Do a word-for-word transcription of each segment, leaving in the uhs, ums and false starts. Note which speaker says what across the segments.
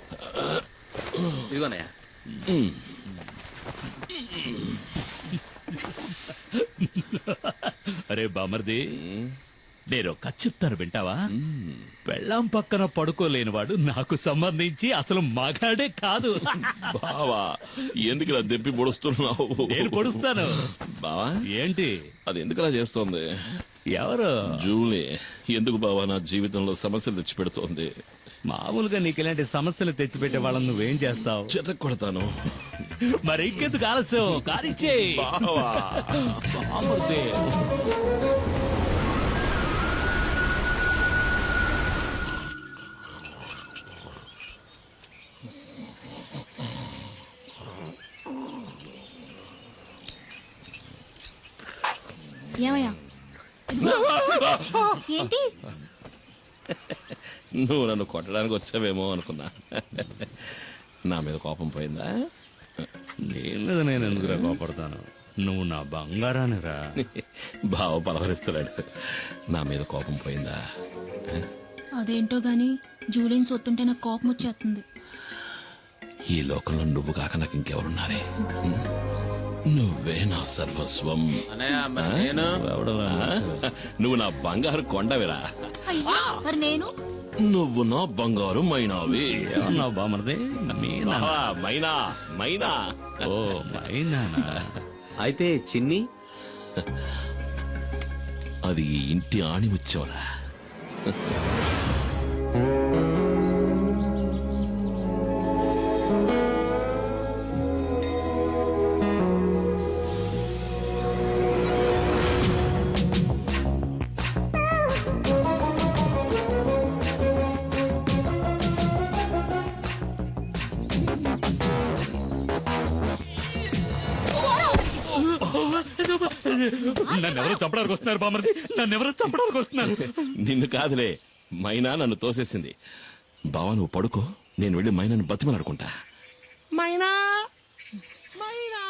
Speaker 1: ఇదిగోనయ్యా.
Speaker 2: అరే బామర్ది, నేను కథ చెప్తాను వింటావా? పెళ్ళాం పక్కన పడుకోలేనివాడు నాకు సంబంధించి అసలు మగాడే కాదు.
Speaker 3: బావా ఎందుకు ఇలా దెప్పి పొడుస్తున్నావు?
Speaker 2: నేను పొడుస్తాను.
Speaker 3: బావా
Speaker 2: ఏంటి
Speaker 3: అది ఎందుకు అలా చేస్తోంది?
Speaker 2: ఎవరు?
Speaker 3: జూలీ. ఎందుకు బావా నా జీవితంలో సమస్యలు తెచ్చి పెడుతోంది?
Speaker 2: మామూలుగా నీకు ఇలాంటి సమస్యలు తెచ్చిపెట్టే వాళ్ళని నువ్వేం చేస్తావు?
Speaker 3: చెత్త కొడతాను.
Speaker 2: మరి ఇంకెందుకు ఆలస్యం? కానిచ్చే
Speaker 3: బావా.
Speaker 2: బామర్ది.
Speaker 4: ఏమయ్యా? ఏంటి?
Speaker 3: నువ్వు నన్ను కొట్టడానికి వచ్చావేమో అనుకున్నా. నా మీద కోపం పోయిందా?
Speaker 2: నీ మీద నేను ఎందుకురా కోపడతాను? నువ్వు నా బంగారాన్ని రా.
Speaker 3: బావ పలవరిస్తున్నాడు. నా మీద కోపం పోయిందా?
Speaker 4: అదేంటో గాని జూలిని సొత్తుంటే నాకు కోపం వచ్చేస్తుంది.
Speaker 3: ఈ లోకంలో నువ్వు కాక నాకు ఇంకెవరున్నారే? నువ్వే నా సర్వస్వం.
Speaker 1: నేను
Speaker 3: నువ్వు నా బంగారు కొండవిరా.
Speaker 4: అయ్యో, మరి నేను?
Speaker 3: నువ్వు నా బంగారు మైనావి.
Speaker 2: ఏమన్నావు బామర్ది? మీనా?
Speaker 3: బావా, మైనా మైనా.
Speaker 2: ఓ మైనానా?
Speaker 1: అయితే చిన్ని
Speaker 3: అది ఈ ఇంటి ఆణి వచ్చేవరా.
Speaker 2: నన్నెవరో చంపడానికి వస్తున్నారు బామర్ది. నన్నెవరో చంపడానికి వస్తున్నారు.
Speaker 3: నిన్ను కాదులే, మైనా నన్ను తోసేసింది. బావా నువ్వు పడుకో, నేను వెళ్ళి మైనాను బతిమలాడుకుంటా. మైనా మైనా.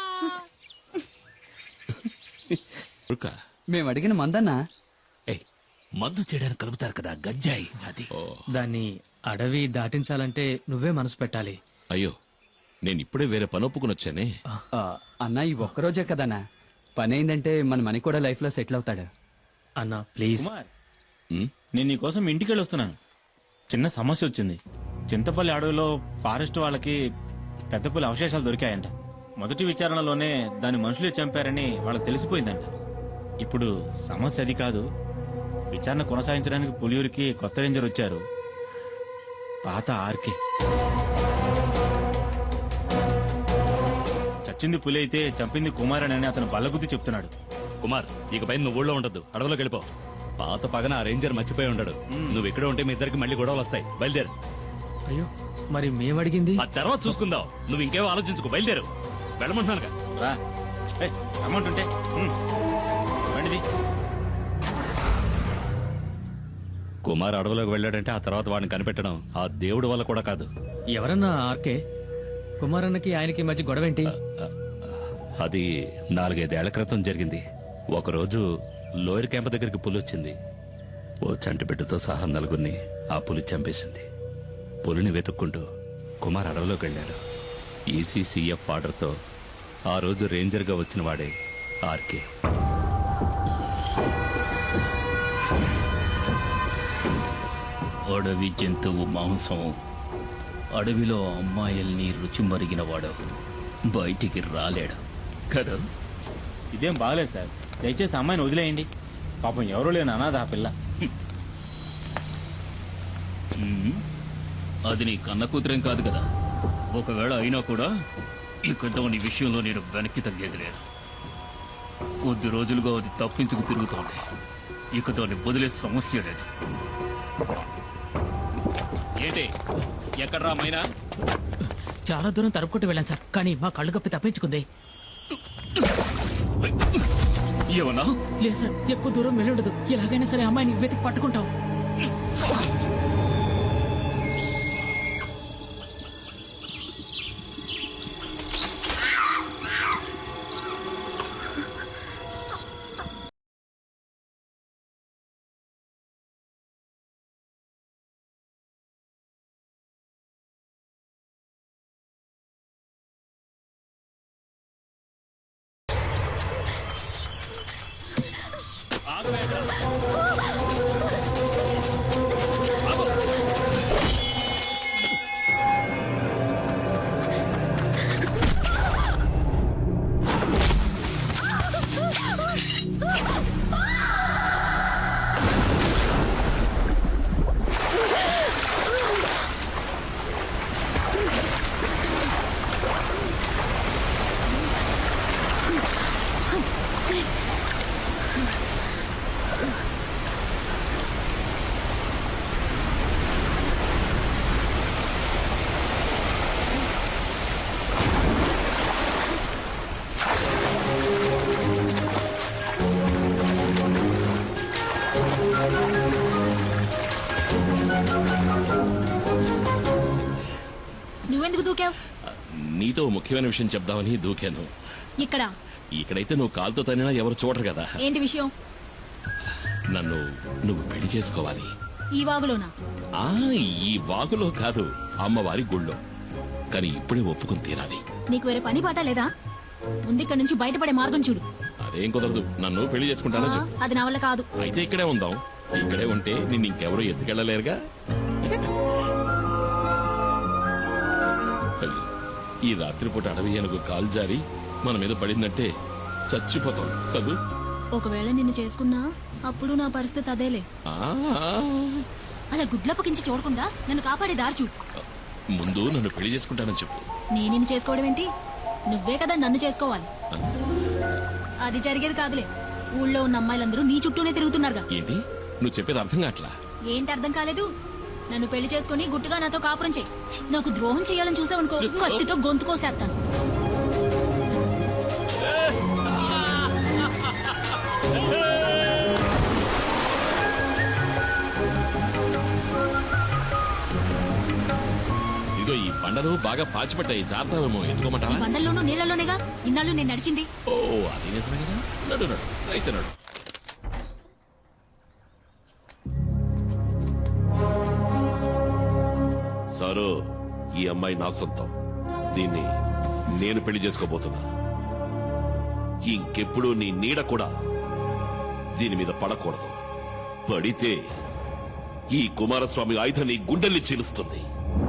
Speaker 5: మేము అడిగిన మందన్నా
Speaker 2: ఏయ్, మందు చేయడానికి కలుపుతారు కదా గంజాయి, అది.
Speaker 6: దాన్ని అడవి దాటించాలంటే నువ్వే మనసు పెట్టాలి.
Speaker 3: అయ్యో, నేను ఇప్పుడే వేరే పని ఒప్పుకుని వచ్చానే.
Speaker 5: ఆ, అన్నా ఈ ఒక్కరోజే కదన్నా పని అయిందంటే మన మనీ కూడా లైఫ్ లో సెటిల్ అవుతాడు.
Speaker 6: అన్నా ప్లీజ్.
Speaker 3: ఉమ్,
Speaker 7: నేను నీకోసం ఇంటికి వెళ్ళి వస్తున్నాను. చిన్న సమస్య వచ్చింది. చింతపల్లి అడవిలో ఫారెస్ట్ వాళ్ళకి పెద్ద పులి అవశేషాలు దొరికాయంట. మొదటి విచారణలోనే దాన్ని మనుషులే చంపారని వాళ్ళకి తెలిసిపోయిందంట. ఇప్పుడు సమస్య అది కాదు. విచారణ కొనసాగించడానికి పులియూరికి కొత్త రేంజర్ వచ్చారు, పాత ఆర్కే. చచ్చింది పులి అయితే చంపింది కుమారన్ అని అతను బల్లగుద్ది చెప్తున్నాడు.
Speaker 2: కుమార్, ఇక పైన నువ్వు ఊళ్ళో ఉండద్దు, అడవిలోకి వెళ్ళిపో. పాత పగన ఆ రేంజర్ మర్చిపోయి ఉండడు. నువ్వు ఇక్కడ ఉంటే మీ ఇద్దరికి మళ్ళీ గొడవలు వస్తాయి. బయలుదేరు.
Speaker 6: అయ్యో, మరి మేము అడిగింది?
Speaker 2: ఆ తర్వాత చూసుకుందాం. నువ్వు ఇంకేమో ఆలోచించుకో, బయలుదేరు. వెళ్ళమంటున్నానుగా.
Speaker 7: రా, ఏయ్, రమ్మంటుంటే ఉమ్, బండిది.
Speaker 2: కుమార్ అడవిలోకి వెళ్ళాడంటే ఆ తర్వాత వాడిని కనిపెట్టడం ఆ దేవుడి వల్ల కూడా కాదు.
Speaker 6: ఎవరన్నా ఆర్కే? కుమారన్నకి ఆయనకి మధ్య గొడవేంటి?
Speaker 2: అది నాలుగైదేళ్ల క్రితం జరిగింది. ఒకరోజు లోయర్ క్యాంప్ దగ్గరికి పులి వచ్చింది. ఓ చంటి బిడ్డతో సహా నలుగురిని ఆ పులి చంపేసింది. పులిని వెతుక్కుంటూ కుమార్ అడవిలోకి వెళ్ళాడు. ఈసీసీఎఫ్ ఆర్డర్తో ఆ రోజు రేంజర్గా వచ్చిన వాడే ఆర్కే.
Speaker 8: అడవి జంతువు మాంసం, అడవిలో అమ్మాయిల్ని రుచి మరిగినవాడు బయటికి రాలేడు కదా.
Speaker 7: ఇదేం బాగలేదు సార్, దయచేసి అమ్మాయిని వదిలేయండి. పాపం ఎవరూ లేని అనాథ ఆ పిల్ల.
Speaker 8: ఉమ్, అది నీ కన్న కూతురేం కాదు కదా. ఒకవేళ అయినా కూడా ఇక దాని విషయంలో నేను వెనక్కి తగ్గేది లేదు. కొద్ది రోజులుగా అది తప్పించుకు తిరుగుతోంది. ఇక దాన్ని వదిలే సమస్య లేదు. ఏంటి, ఎక్కడ్రా మైనా?
Speaker 6: చాలా దూరం తరుపుకుంటూ వెళ్ళాను సార్, కానీ మా కళ్ళు కప్పి తప్పించుకుంది.
Speaker 8: ఏమన్నా?
Speaker 6: లేదు సార్, ఎక్కువ దూరం వెళ్ళుండదు. ఎలాగైనా సరే అమ్మాయిని వెతికి పట్టుకుంటాం.
Speaker 4: నువ్వెందుకు దూకావు?
Speaker 3: నీతో ముఖ్యమైన విషయం చెప్దామని దూకాను.
Speaker 4: ఇక్కడ
Speaker 3: ఇక్కడైతే నువ్వు కాలుతో తనినా ఎవరు చూడరు కదా.
Speaker 4: ఏంటి విషయం?
Speaker 3: నన్ను నువ్వు పెళ్లి చేసుకోవాలి.
Speaker 4: ఈ వాగులోనా?
Speaker 3: ఆ ఈ వాగులో కాదు, అమ్మవారి గుళ్ళో. కానీ ఇప్పుడే ఒప్పుకుని తీరాలి.
Speaker 4: నీకు వేరే పని పాట లేదా? ముందు ఇక్కడ నుంచి బయటపడే మార్గం చూడు.
Speaker 3: అదేం కుదరదు. నన్ను పెళ్లి
Speaker 4: ఆ,
Speaker 3: చేసుకుంటానని చెప్పు.
Speaker 4: అది నా వల్ల కాదు.
Speaker 3: అయితే ఇక్కడే ఉందాం. ఇక్కడే ఉంటే నిన్ను ఇంకెవరూ ఎత్తుకెళ్ళలేరుగా. అయ్యో, ఈ రాత్రిపూట అడవి ఏనుగు కాలు జారి మన మీద పడిందంటే చచ్చిపోతాం కదూ.
Speaker 4: ఒకవేళ నిన్ను చేసుకున్నా అప్పుడు నా పరిస్థితి అదేలే.
Speaker 3: ఆ,
Speaker 4: అలా గుడ్లప్పకించి చూడకుండా నన్ను కాపాడే దారి చూడు.
Speaker 3: ముందు నన్ను పెళ్లి చేసుకుంటానని చెప్పు.
Speaker 4: నేను నిన్ను చేసుకోవడం ఏంటి? నువ్వే కదా నన్ను చేసుకోవాలి. అది జరిగేది కాదులే. ఊళ్ళో ఉన్న అమ్మాయిలందరూ నీ చుట్టూనే తిరుగుతున్నారుగా.
Speaker 3: ఏంటి నువ్వు చెప్పేది అర్థం కావట్లా?
Speaker 4: ఏంటి అర్థం కాలేదు? నన్ను పెళ్లి చేసుకుని గుట్టుగా నాతో కాపురం చేయి. నాకు ద్రోహం చేయాలని చూసావనుకో, కత్తితో గొంతు కోసేస్తాను.
Speaker 3: ఇదిగో ఈ బండలు బాగా పాచిపట్టాయి, జాగ్రత్తమేమో.
Speaker 4: ఈ
Speaker 3: ఎత్తుకోమంటావా?
Speaker 4: బండల్లోనూ నీళ్ళలోనేగా ఇన్నాళ్ళు నేను నడిచింది.
Speaker 3: ఓ అది నిజమే కదా. నడు నడు అయితే నడు. సారు, ఈ అమ్మాయి నా సొంతం. దీన్ని నేను పెళ్లి చేసుకోబోతున్నా. ఇంకెప్పుడు నీ నీడ కూడా దీని మీద పడకూడదు. పడితే ఈ కుమారస్వామి ఆయుధం నీ గుండెల్ని చీలుస్తుంది.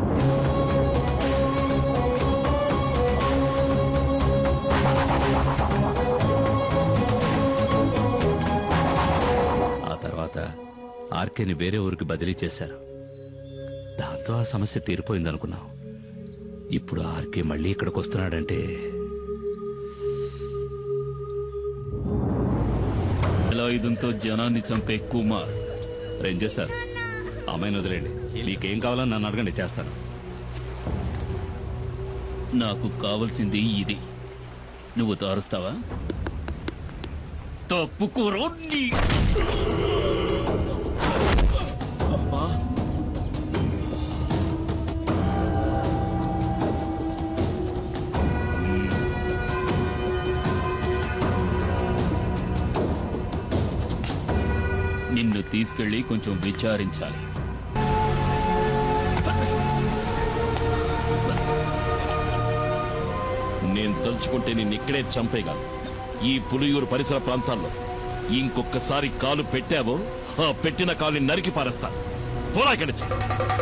Speaker 2: ఆ తర్వాత ఆర్కేని వేరే ఊరికి బదిలీ చేశారు. దాంతో ఆ సమస్య తీరిపోయిందనుకున్నాం. ఇప్పుడు ఆర్కే మళ్ళీ ఇక్కడికి వస్తున్నాడంటే
Speaker 8: వేలాయుధంతో జనాన్ని చంపే కుమార్.
Speaker 2: రేంజర్ సార్, అమ్మాయిని వదిలేండి. మీకేం కావాలని నన్ను అడగండి, చేస్తాను.
Speaker 8: నాకు కావలసింది ఇది. నువ్వు తారుస్తావా? తప్పుకోరో నీ. నిన్ను తీసుకెళ్లి కొంచెం విచారించాలి.
Speaker 3: నేను తలుచుకుంటే నిన్ను ఇక్కడే చంపేయగలను. ఈ పులియూరు పరిసర ప్రాంతాల్లో ఇంకొకసారి కాలు పెట్టావో ఆ పెట్టిన కాలుని నరికి పారేస్తాను. పోరా ఇక్కడి నుంచి.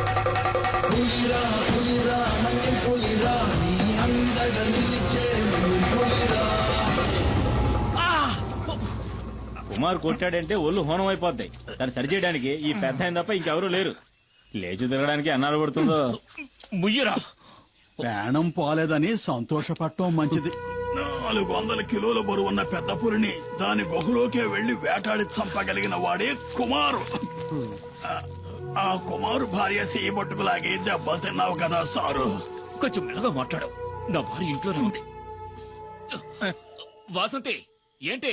Speaker 7: కుమార్ కొట్టాడంటే ఒళ్ళు హోనం అయిపోద్ది. దాన్ని సరిచేయడానికి ఈ పెద్ద ఆయన తప్ప ఇంకెవరూ లేరు. లేచి తిరగడానికి అన్నాడు పడుతుందో.
Speaker 8: ముయ్యరా.
Speaker 9: ప్రాణం పోలేదని సంతోషపడటం మంచిది. నాలుగు వందల కిలోల బరువున్న పెద్ద పులిని దాని గుహలోకే వెళ్లి వేటాడి చంపగలిగిన వాడే కుమారు. ఆ- ఆ కుమారు భార్య చేయబట్టుకులాగి దెబ్బలు తిన్నావు కదా సారు.
Speaker 8: కొంచెం మెల్లగా మాట్లాడావు. నా భార్య ఇంట్లోనే ఉంది. వాసంతి ఏంటి?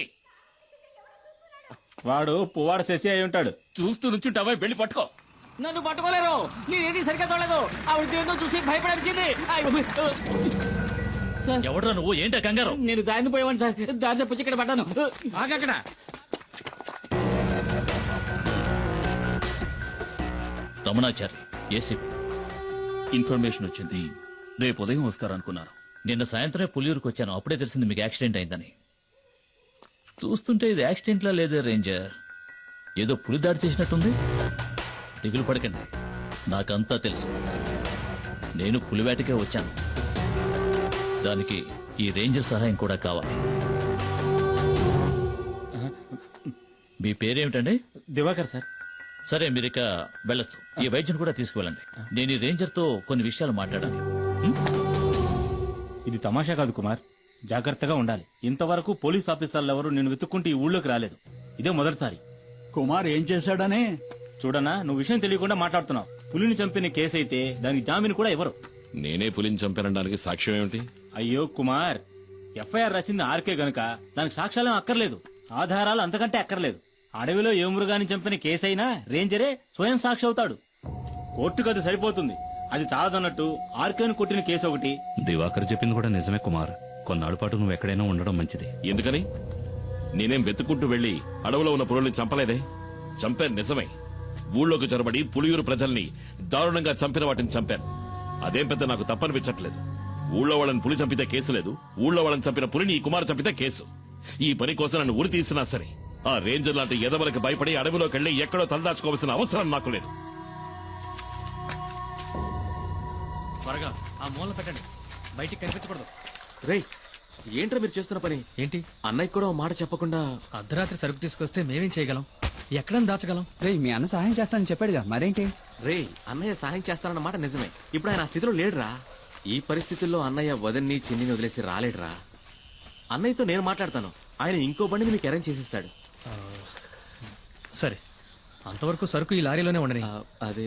Speaker 7: వాడు పువ్వాడు శశి అయి ఉంటాడు.
Speaker 8: చూస్తూ నుంచుంటావా? వెళ్ళి పట్టుకో.
Speaker 6: నన్ను పట్టుకోలేరు. నేనేది సరిగ్గా చూడలేదు. ఆవిడ ఏందో చూసి భయపడనిచ్చింది. సార్,
Speaker 8: ఎవడ్రా నువ్వు? ఏంటా కంగారు?
Speaker 6: నేను దారిని పోయేవాడిని సార్. దారి తప్పించి ఇక్కడ పడ్డాను. ఆగక్కడ.
Speaker 8: రమణాచారి ఏసీపీ. ఇన్ఫర్మేషన్ వచ్చింది. రేపు ఉదయం వస్తారనుకున్నాను. నిన్న సాయంత్రమే పులియూరుకు వచ్చాను. అప్పుడే తెలిసింది మీకు యాక్సిడెంట్ అయిందని. చూస్తుంటే ఇది యాక్సిడెంట్లా లేదే రేంజర్. ఏదో పులి దాడి చేసినట్టుంది. దిగులు పడకండి, నాకంతా తెలుసు. నేను పులివేటకే వచ్చాను. దానికి ఈ రేంజర్ సహాయం కూడా కావాలి. మీ పేరేమిటండి?
Speaker 7: దివాకర్ సార్.
Speaker 8: సరే, మీరు ఇక వెళ్ళొచ్చు. ఈ వైద్యుని కూడా తీసుకువెళ్ళండి. నేను ఈ రేంజర్తో కొన్ని విషయాలు మాట్లాడాలి.
Speaker 7: ఇది తమాషా కాదు కుమార్, జాగ్రత్తగా ఉండాలి. ఇంతవరకు పోలీస్ ఆఫీసర్లు ఎవరు నేను వెతుక్కుంటూ ఈ ఊళ్ళోకి రాలేదు. ఇదే మొదటిసారి.
Speaker 9: కుమార్ ఏం చేశాడని?
Speaker 7: చూడనా, నువ్వు విషయం తెలియకుండా మాట్లాడుతున్నావు. పులిని చంపిన కేసు అయితే దానికి జామీన్ కూడా ఇవ్వరు.
Speaker 3: నేనే పులిని చంపానడానికి సాక్ష్యం ఏమిటి?
Speaker 7: అయ్యో కుమార్, ఎఫ్ఐఆర్ రాసింది ఆర్కే గనుక దానికి సాక్ష్యాలేం అక్కర్లేదు, ఆధారాలు అంతకంటే అక్కర్లేదు. అడవిలో ఏ మృగాన్ని చంపిన కేసైనా రేంజరే స్వయం సాక్షి అవుతాడు. కోర్టుకు అది సరిపోతుంది. అది చాలదన్నట్టు ఆర్కేను కొట్టిన కేసు ఒకటి.
Speaker 2: దివాకర్ చెప్పింది కూడా నిజమే కుమార్. కొన్నాళ్ళ పాటు నువ్వు ఎక్కడైనా ఉండడం మంచిది.
Speaker 3: ఎందుకని? నేనేం వెతుక్కుంటూ వెళ్లి అడవిలో ఉన్న పులుల్ని చంపలేదే. చంపాను నిజమే. ఊళ్ళోకి చొరబడి పులియూరు ప్రజల్ని దారుణంగా చంపిన వాటిని చంపాను. అదేం పెద్ద నాకు తప్పనిపించట్లేదు. ఊళ్ళో వాళ్ళని పులి చంపితే కేసు లేదు, ఊళ్ళో వాళ్ళని చంపిన పులిని ఈ కుమారు చంపితే కేసు. ఈ పని కోసం నన్ను ఉరి తీసినా సరే ఆ రేంజర్ లాంటి ఎదవలకు భయపడి అడవిలోకి వెళ్లి ఎక్కడో తలదాచుకోవాల్సిన అవసరం నాకు లేదు.
Speaker 8: త్వరగా ఆ మూల పెట్టండి, బయటికి కనిపించకూడదు.
Speaker 1: రేయ్, ఏంట్రా మీరు చేస్తున్న పని?
Speaker 6: ఏంటి
Speaker 1: అన్నయ్య కూడా ఓ మాట చెప్పకుండా.
Speaker 6: అర్ధరాత్రి సరుకు తీసుకొస్తే మేమేం చేయగలం? ఎక్కడని దాచగలం?
Speaker 5: రే మీ అన్న సహాయం చేస్తానని చెప్పాడుగా, మరేంటి?
Speaker 1: రేయ్, అన్నయ్య సహాయం చేస్తానన్న మాట నిజమే. ఇప్పుడు ఆయన ఆ స్థితిలో లేడురా. ఈ పరిస్థితుల్లో అన్నయ్య వదన్ని చిన్నిని వదిలేసి రాలేడురా. అన్నయ్యతో నేను మాట్లాడతాను. ఆయన ఇంకో బండిని మీకు అరేంజ్ చేసిస్తాడు.
Speaker 6: సరే, అంతవరకు సరుకు ఈ లారీలోనే ఉండని.
Speaker 1: ఆ, అదే